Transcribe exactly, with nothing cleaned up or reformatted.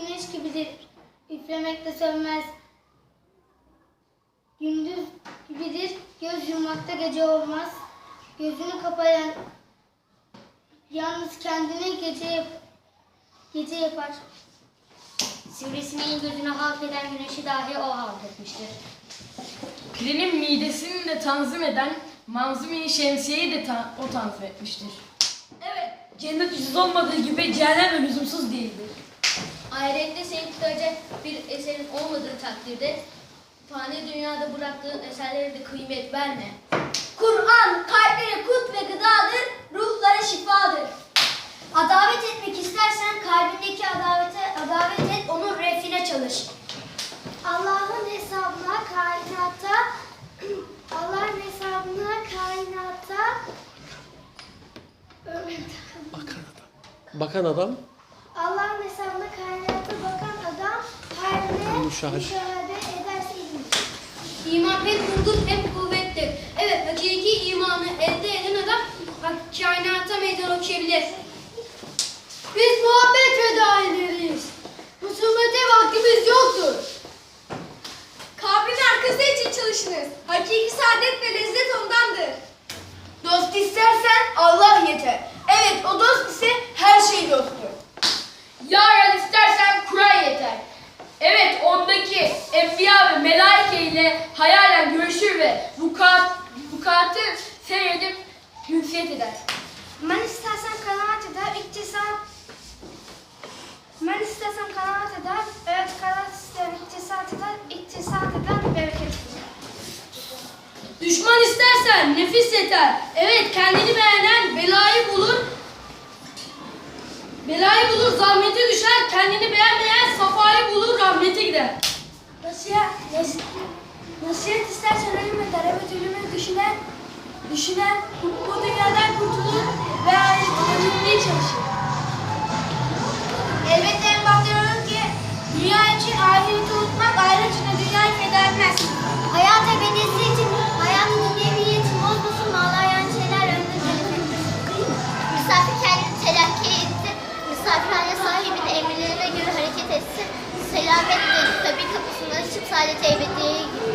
güneş gibidir. Üflemekte sönmez. Gündüz gibidir. Göz yummakta gece olmaz. Gözünü kapayan yalnız kendini gece yap gece yapar. Sivrisineğin gözünü halk eden güneşi dahi o halk etmiştir. Pirenin midesini de tanzim eden Manzumi Şemsiye'yi de ta o tanzim etmiştir. Evet, cennet ucuz olmadığı gibi cehennem de lüzumsuz değildir. Ahirette seni tutacak bir eserin olmadığı takdirde fani dünyada bıraktığın eserlere de kıymet verme. Kur'an kalplere kut ve gıdadır, ruhlara şifadır. Adavet etmek istersen kalbindeki adavete adavet et, onun refine çalış. Allah'ın hesabına kainatta Allah'ın hesabına kainatta Bakan adam Allah'ın hesabına kainatta bakan adam hayrını Müşahede. müşahede ederse iyidir. İman hem hurdur hem kuvvettir. Evet, hakiki imanı elde eden adam kainata meydan okuyabilir. Biz muhabbet fedaileriyiz. Husumete vaktimiz yoktur. Kabrin arkası için çalışınız. Hakiki saadet ve lezzet ondandır. Dost istersen Allah yeter. Evet, o dost ise her şey dosttur. Yar istersen Kur'an yeter. Evet, ondaki enbiya ve melaike ile hayalen görüşür ve vukuat, vukuatı seyredip hünsiyet eder. Men istersen kanaat eder, iktisat. Men istersen kanaat eder, evet kanaat ister, iktisat eder, iktisat eder, bereket eder. Düşman istersen nefis yeter. Evet, kendini beğenen belayı bulur. Belayı bulur, zahmete düşer. Kendini beğenmeyen safayı bulur, rahmete gider. Nasihat, nasihat, nasihat istersen ölüm eder, evet ölümü düşünen, düşünen bu dünyadan kurtulur ve ahiretine gitmeye çalışır. Elbette en başta diyorum ki dünya için ahireti unutmak, ahiret için de dünyayı feda etmez. Hayat ebedisi için hayatın dünyeviyeti bozmasın, mağlayan şeyler önünde telefon. Misafir kendini telakki etti. Misafirhane sahibinin emirlerine göre hareket etsin. Selametle tabi kapısını açıp saadete ebediyeye gitti.